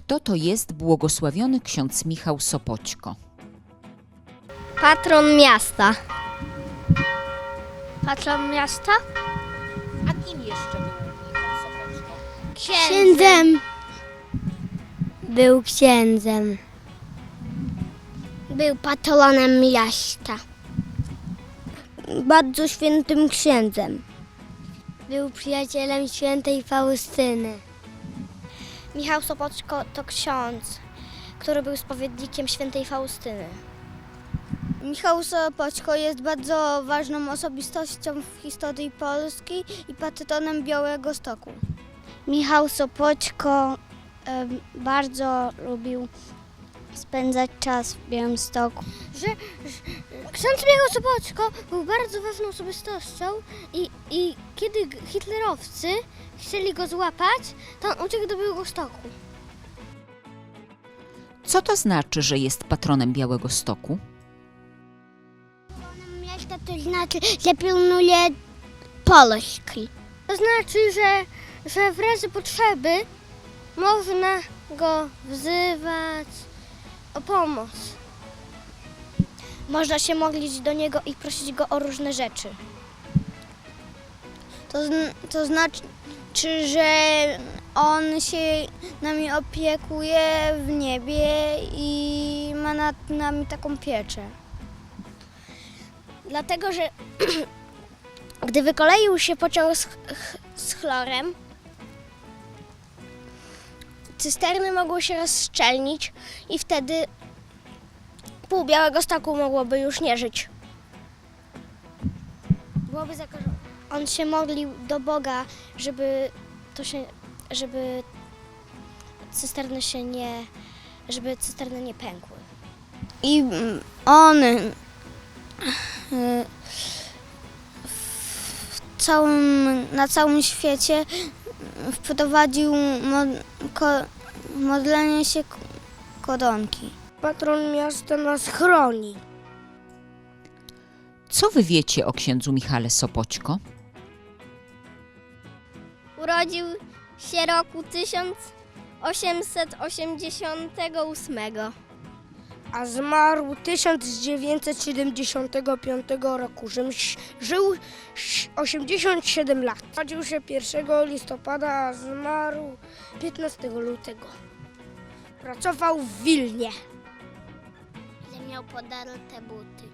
Kto to jest błogosławiony ksiądz Michał Sopoćko? Patron miasta. Patron miasta? A kim jeszcze był Michał Sopoćko? Księdzem. Był księdzem. Był patronem miasta. Bardzo świętym księdzem. Był przyjacielem świętej Faustyny. Michał Sopoćko to ksiądz, który był spowiednikiem świętej Faustyny. Michał Sopoćko jest bardzo ważną osobistością w historii Polski i patronem Białegostoku. Michał Sopoćko bardzo lubił spędzać czas w Białymstoku. Ksiądz Michał Sopoćko był bardzo ważną osobistością i kiedy hitlerowcy chcieli go złapać, to on uciekł do Białegostoku. Co to znaczy, że jest patronem Białegostoku? Miasta to znaczy, że pilnuje Polski. To znaczy, że w razie potrzeby można go wzywać o pomoc. Można się modlić do niego i prosić go o różne rzeczy. To znaczy, że on się nami opiekuje w niebie i ma nad nami taką pieczę. Dlatego, że gdy wykoleił się pociąg z chlorem, cysterny mogły się rozszczelnić i wtedy pół Białegostoku mogłoby już nie żyć. Byłoby zakażone. On się modlił do Boga, żeby cysterny nie pękły. I on na całym świecie wprowadził modlenie się koronki. Patron miasta nas chroni. Co wy wiecie o księdzu Michale Sopoćko? Urodził się roku 1888, a zmarł 1975 roku. Żył 87 lat. Urodził się 1 listopada, a zmarł 15 lutego. Pracował w Wilnie. miał podarte buty.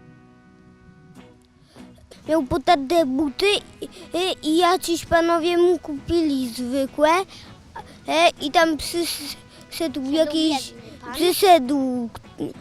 Miał podarte buty i jacyś panowie mu kupili zwykłe i tam przyszedł jakiś... Przyszedł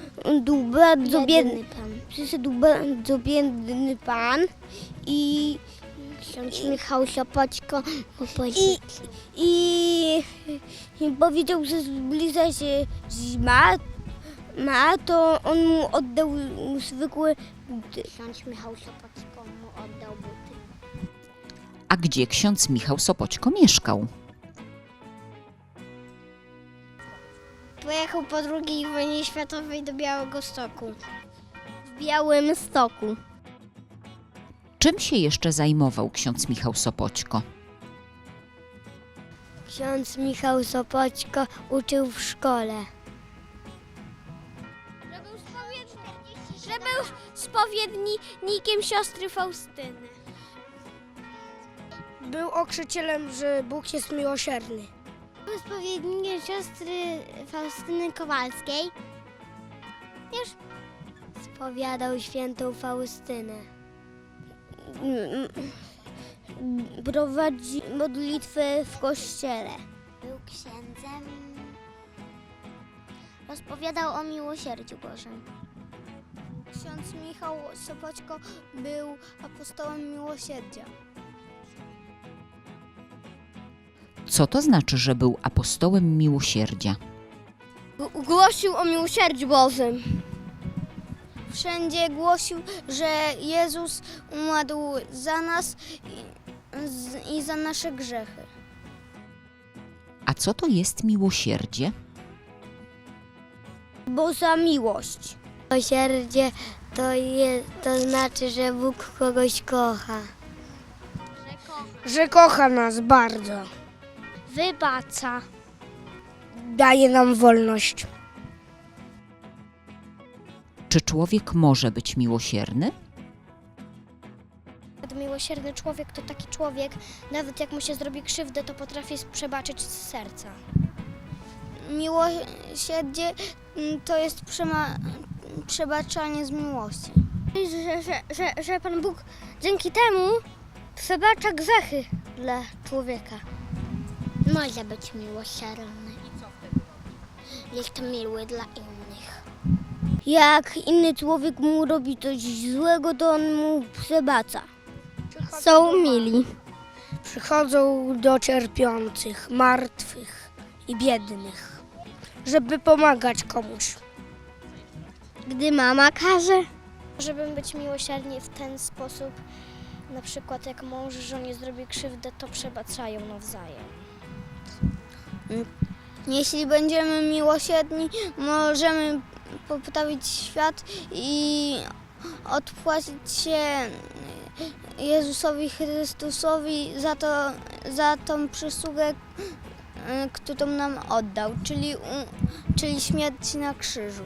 bardzo biedny pan i ksiądz Michał Sopoćko i powiedział, że zbliża się zima, to on mu oddał zwykłe buty. Ksiądz Michał Sopoćko mu oddał buty. A gdzie ksiądz Michał Sopoćko mieszkał? Pojechał po II wojnie światowej do Białegostoku. W Białymstoku. Czym się jeszcze zajmował ksiądz Michał Sopoćko? Ksiądz Michał Sopoćko uczył w szkole. Że był spowiednikiem siostry Faustyny. Był okrzycielem, że Bóg jest miłosierny. Był spowiednikiem siostry Faustyny Kowalskiej. Już spowiadał świętą Faustynę. Prowadzi modlitwę w kościele. Był księdzem. Rozpowiadał o miłosierdziu Bożym. Ksiądz Michał Sopoćko był apostołem miłosierdzia. Co to znaczy, że był apostołem miłosierdzia? Głosił o miłosierdziu Bożym. Wszędzie głosił, że Jezus umarł za nas i za nasze grzechy. A co to jest miłosierdzie? Boża miłość. Miłosierdzie to znaczy, że Bóg kogoś kocha. Że kocha nas bardzo. Wybacza. daje nam wolność. Czy człowiek może być miłosierny? Miłosierny człowiek to taki człowiek, nawet jak mu się zrobi krzywdę, to potrafi przebaczyć z serca. Miłosierdzie to jest przebaczanie z miłości. Że Pan Bóg dzięki temu przebacza grzechy dla człowieka. Może być miłosierny. Jest miły dla innych. Jak inny człowiek mu robi coś złego, to on mu przebacza. Są mili. Przychodzą do cierpiących, martwych i biednych, żeby pomagać komuś. Gdy mama każe, Żeby być miłosierni w ten sposób, na przykład jak mąż żonie zrobi krzywdę, to przebaczają nawzajem. Jeśli będziemy miłosierni, możemy poprawić świat i odpłacić się Jezusowi Chrystusowi za tą przysługę, którą nam oddał, czyli śmierć na krzyżu.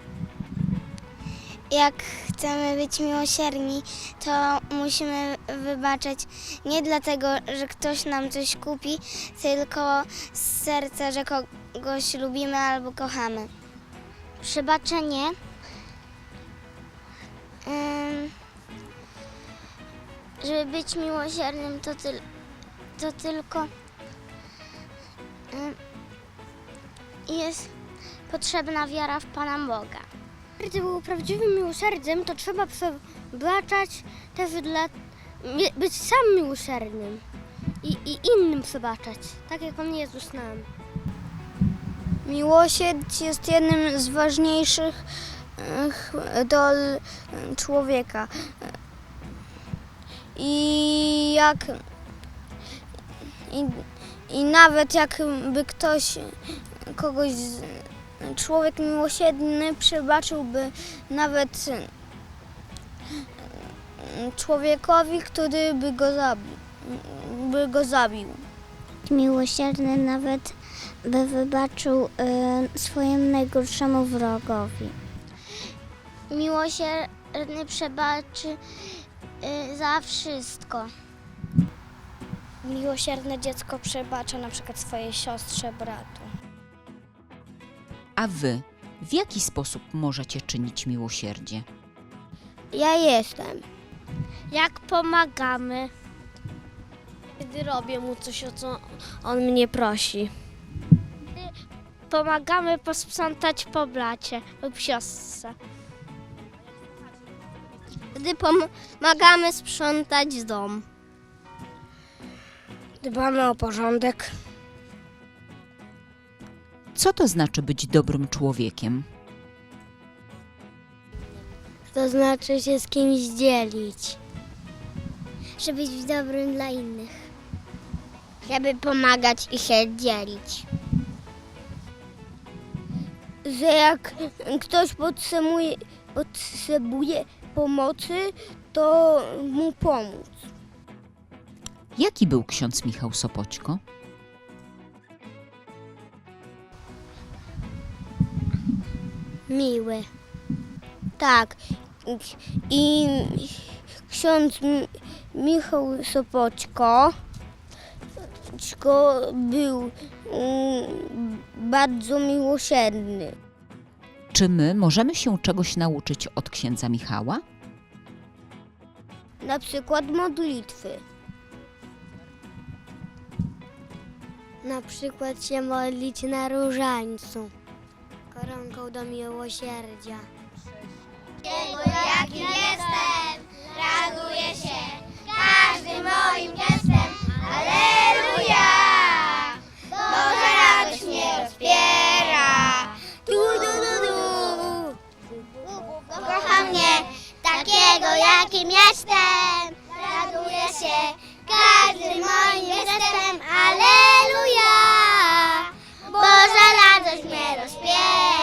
Jak chcemy być miłosierni, to musimy wybaczać nie dlatego, że ktoś nam coś kupi, tylko z serca, że kogoś lubimy albo kochamy. Przebaczenie żeby być miłosiernym, to tylko jest potrzebna wiara w Pana Boga. Żeby był prawdziwym miłosierdziem, to trzeba przebaczać też być sam miłosiernym i innym przebaczać, tak jak Pan Jezus nam. Miłosierdzie jest jednym z ważniejszych dol człowieka. I nawet jakby człowiek miłosierny przebaczyłby nawet człowiekowi, który by go zabił. Miłosierny nawet by wybaczył swojemu najgorszemu wrogowi. Miłosierny przebaczy za wszystko. Miłosierne dziecko przebacza na przykład swojej siostrze, bratu. A wy w jaki sposób możecie czynić miłosierdzie? Ja jestem. Jak pomagamy? Gdy robię mu coś, o co on mnie prosi. Pomagamy posprzątać po bracie lub siostrze. Gdy pomagamy sprzątać dom. Dbamy o porządek. Co to znaczy być dobrym człowiekiem? To znaczy się z kimś dzielić. Żeby być dobrym dla innych. Żeby pomagać i się dzielić. Że jak ktoś potrzebuje pomocy, to mu pomóc. Jaki był ksiądz Michał Sopoćko? Miły. Tak. I ksiądz Michał Sopoćko był bardzo miłosierny. Czy my możemy się czegoś nauczyć od księdza Michała? Na przykład modlitwy. Na przykład się modlić na różańcu. Koronką do miłosierdzia. Jakim jestem, raduję się każdym moim gestem. Alleluja! Boża radość mnie rozpiera. Kocha mnie takiego, jakim jestem. Raduję się każdym moim gestem. Alleluja! Boża radość mnie rozpiera.